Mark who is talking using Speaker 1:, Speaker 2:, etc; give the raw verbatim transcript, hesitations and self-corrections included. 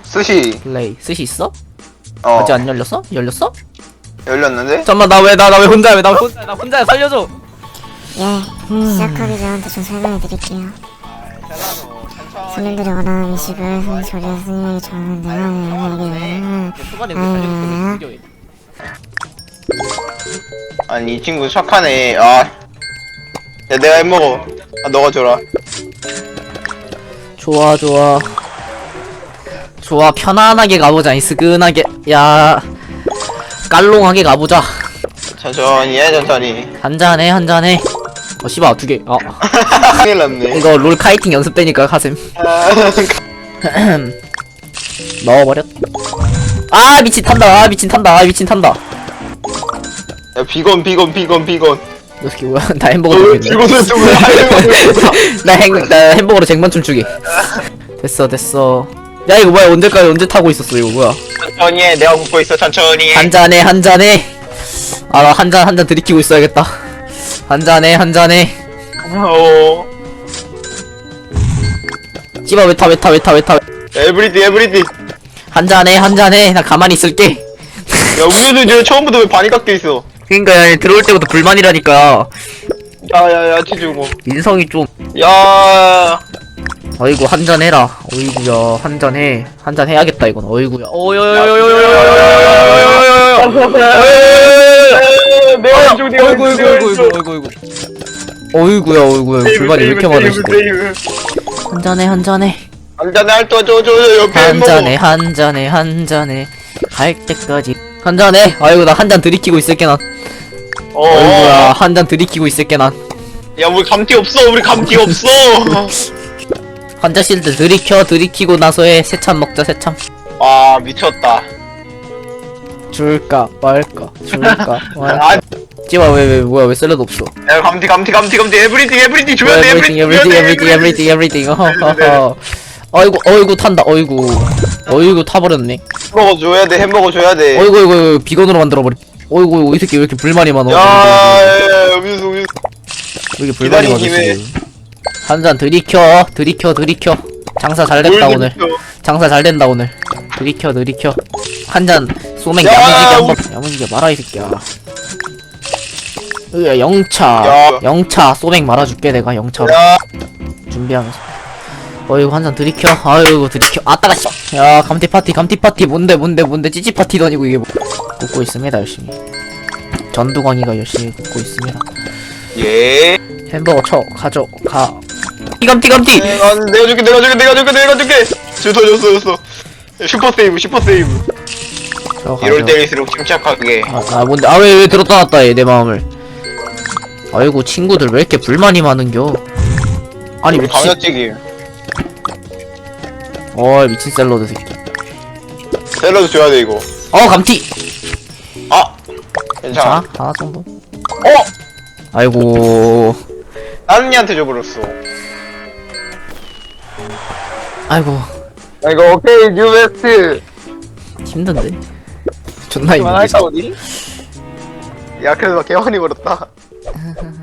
Speaker 1: 스시.
Speaker 2: 플레이. 스시 있어?
Speaker 1: 어.
Speaker 2: 아직 안 열렸어? 열렸어?
Speaker 1: 열렸는데?
Speaker 2: 잠깐만 나 왜 나 나 왜 혼자야 왜 나 혼자 나 혼자야 살려줘.
Speaker 3: 예, 시작하기 전부터 좀 설명해 드릴게요. 손님들이 원하는 음식을 손 조리해서 손님에게 전하는데요.
Speaker 2: 초반에 왜 살려줘? 이겨.
Speaker 1: 아니 이 친구 착하네. 아. 야 내가 해먹어. 아 너가 줘라.
Speaker 2: 좋아 좋아 좋아 편안하게 가보자. 이스근하게 야 깔롱하게 가보자.
Speaker 1: 천천히 해 천천히.
Speaker 2: 한잔해 한잔해. 어 씨발 두개. 어
Speaker 1: 큰일 났네.
Speaker 2: 이거 롤 카이팅 연습 때니까 가셈. 넣어버렸. 아 미친 탄다. 아 미친 탄다. 아 미친 탄다.
Speaker 1: 야 비건 비건 비건 비건.
Speaker 2: 너 새끼 뭐야? 나 햄버거
Speaker 1: 어,
Speaker 2: 먹겠네.
Speaker 1: 비건을 좀왜 하려고.
Speaker 2: 나 행, 나 햄버거로 쟁반 춤추기. 됐어 됐어. 야 이거 뭐야? 언제까지 언제 타고 있었어 이거 뭐야?
Speaker 1: 천천히 해. 내가 웃고 있어 천천히 해.
Speaker 2: 한 잔해 한 잔해. 아 나 한 잔 한 잔 들이키고 있어야겠다. 한 잔해 한 잔해.
Speaker 1: 어.
Speaker 2: 씨발 왜 타 왜 타 왜 타 왜 타.
Speaker 1: 에브리디 에브리디.
Speaker 2: 한 잔해 한 잔해. 나 가만히 있을게.
Speaker 1: 야 음료수 이제 처음부터 왜 반이 깎여 있어?
Speaker 2: 그러니까 야, 들어올 때부터 불만이라니까.
Speaker 1: 야야야 치주고.
Speaker 2: 인성이 좀.
Speaker 1: 야.
Speaker 2: 어이구 한 잔 해라. 어이구야 한 잔 해. 한 잔 해야겠다 이건. 어이구야.
Speaker 1: 내 왼쪽 내
Speaker 2: 어이구
Speaker 1: 왼쪽
Speaker 2: 어이구 어이구 어이구 어이구. 어이구야 어이구야 불만이 왜 이렇게 많으시대. 한 잔해 한 잔해.
Speaker 1: 한 잔에 할또 저저 옆에
Speaker 2: 한
Speaker 1: 먹어.
Speaker 2: 잔해 한 잔해 한 잔해 갈 때까지 한 잔해. 아이고 나 한 잔 들이키고 있을게 난.
Speaker 1: 어.
Speaker 2: 어이구야 한 잔 들이키고 있을게 난.
Speaker 1: 야 우리 감기 없어 우리 감기 없어.
Speaker 2: 환자 실드 들이켜. 들이키고 나서 해. 새참 먹자 새참.
Speaker 1: 아 미쳤다.
Speaker 2: 줄까 말까 줄까 말까.
Speaker 1: 아,
Speaker 2: 찌마 왜왜 뭐야 왜 샐러드 없어.
Speaker 1: 야 감기 감기 감기 감기 에브리띵 에브리띵 줘야 돼
Speaker 2: everything
Speaker 1: 에브리띵
Speaker 2: everything everything everything everything. 어허허. 어이구 어이구 탄다. 어이구 어이구 타버렸네.
Speaker 1: 햄버거 줘야 돼 햄버거 줘야 돼.
Speaker 2: 어이구 어이구 비건으로 만들어버리. 어이구 어이구 이 새끼 왜 이렇게 불만이 많아.
Speaker 1: 야 음료수 음료수.
Speaker 2: 왜 이렇게 불만이 많아
Speaker 1: 기다린
Speaker 2: 지금. 한 잔 들이켜 들이켜 들이켜. 장사 잘 됐다
Speaker 1: 뭘
Speaker 2: 오늘.
Speaker 1: 들이켜.
Speaker 2: 장사 잘 된다 오늘. 들이켜 들이켜. 한 잔 소맥
Speaker 1: 야,
Speaker 2: 야무지게
Speaker 1: 우리-
Speaker 2: 한번 야무지게 말아 이 새끼야. 으 영차
Speaker 1: 야.
Speaker 2: 영차 소맥 말아줄게 내가 영차로.
Speaker 1: 야
Speaker 2: 준비하면서. 어이구 한 잔 들이켜. 아이고 들이켜. 아따가 씨. 야 감티 파티 감티 파티 뭔데 뭔데 뭔데 찌찌 파티도 아니고 이게 뭐. 굽고 있습니다 열심히. 전두광이가 열심히 굽고 있습니다.
Speaker 1: 예.
Speaker 2: 햄버거 쳐 가져가. 감티 감티.
Speaker 1: 아, 내가 줄게 내가 줄게 내가 줄게 내가 줄게. 줬어 줬어 줬어. 슈퍼 세이브 슈퍼 세이브.
Speaker 2: 저
Speaker 1: 이럴
Speaker 2: 가져.
Speaker 1: 때일수록 침착하게.
Speaker 2: 아, 아 뭔데 아 왜 왜 들었다 놨다 얘 내 마음을. 아이고 친구들 왜 이렇게 불만이 많은겨. 아니
Speaker 1: 우리
Speaker 2: 미친.
Speaker 1: 감자튀김.
Speaker 2: 어이 미친 샐러드 새끼.
Speaker 1: 샐러드 줘야 돼 이거.
Speaker 2: 어 감티.
Speaker 1: 아
Speaker 2: 자
Speaker 1: 괜찮아.
Speaker 2: 하나 정도.
Speaker 1: 어
Speaker 2: 아이고
Speaker 1: 다른 이한테 줘버렸어.
Speaker 2: 아이고
Speaker 1: 아 이거 오케이 뉴베스트.
Speaker 2: 힘든데. 존나
Speaker 1: 그만할까
Speaker 2: 힘든데.
Speaker 1: 어디? 야 그래도 개환이 버렸다.